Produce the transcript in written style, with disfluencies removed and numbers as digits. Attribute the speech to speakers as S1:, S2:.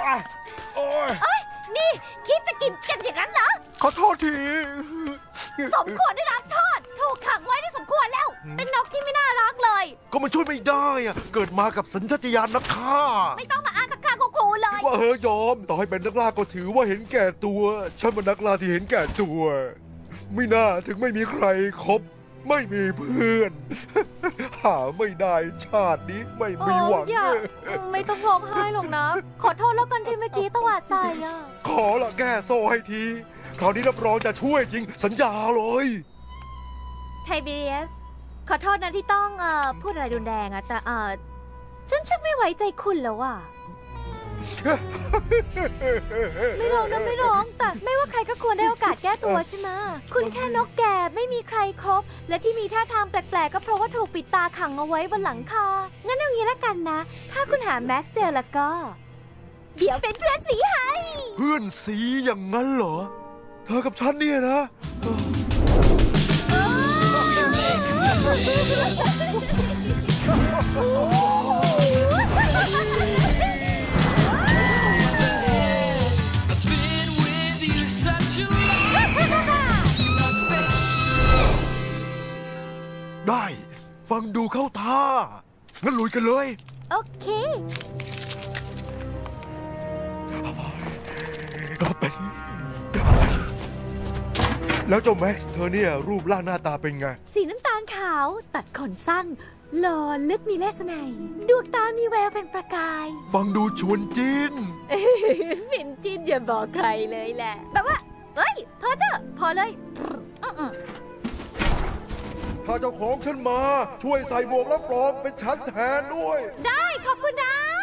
S1: โอ้ย
S2: เอ้ยนี่คิดจะกินกันอย่างนั้นเหรอ
S1: ขอโทษที
S2: สมควรได้รับโทษถูกขังไว้ได้สมควรแล้ว เป็นนกที่ไม่น่ารักเลย
S1: ก็มันช่วยไม่ได้อะเกิดมากับสัญชาตญาณนักฆ่า
S2: ไม่ต้องมาอ้างข้างๆกูเลย
S1: ว่าเฮยยอม ต่อให้เป็นนักล่าก็ถือว่าเห็นแก่ตัว ฉันเป็นนักล่าที่เห็นแก่ตัว ไม่น่าถึงไม่มีใครคบ ไม่มีเพื่อน หาไม่ได้ชาตินี้ไม่มีหวัง
S2: อย่าไม่ต้องร้องไห้หรอกนะ ขอโทษแล้วกันที่เมื่อกี้ตวาดใส่อะ
S1: ขอละแก้โซ่ให้ที คราวนี้รับรองจะช่วยจริง สัญญาเลย
S2: ไทเบเรียสขอโทษนะที่ต้องพูดอะไรรุนแรงอะแต่ฉันชักไม่ไว้ใจคุณแล้วอะไม่ร้องนะไม่ร้องแต่ไม่ว่าใครก็ควรได้โอกาสแก้ตัวใช่ไหมคุณแค่นกแก่ไม่มีใครคบและที่มีท่าทางแปลกๆก็เพราะว่าถูกปิดตาขังเอาไว้บนหลังคางั้นเอางี้ละกันนะ ถ้าคุณหาแม็กซ์เจอแล้วก็ เดี๋ยวเป็นเพื่อนสีให้
S1: เพื่อนสีอย่างนั้นเหรอ เธอกับฉันเนี่ยนะ ได้ ฟังดูเข้าท่า งั้นลุยกันเลย
S2: โอเค
S1: แล้วเจ้าแม็กซ์เธอเนี่ยรูปร่างหน้าตาเป็นไง
S2: สีน้ำตาลขาว ตัดขนสั้นหล่อลึกมีเลสไนยดวงตามีแววเป็นประกาย
S1: ฟังดูชวนจิน
S2: ฟินจินอย่าบอกใครเลยแหละแบบว่าเอ้ยพอเถอะพอเลย
S1: ถ้าเจ้าของฉันมาช่วยใส่หมวกรับรองเป็นฉันแทนด้วย
S2: ได้ขอบคุณนะ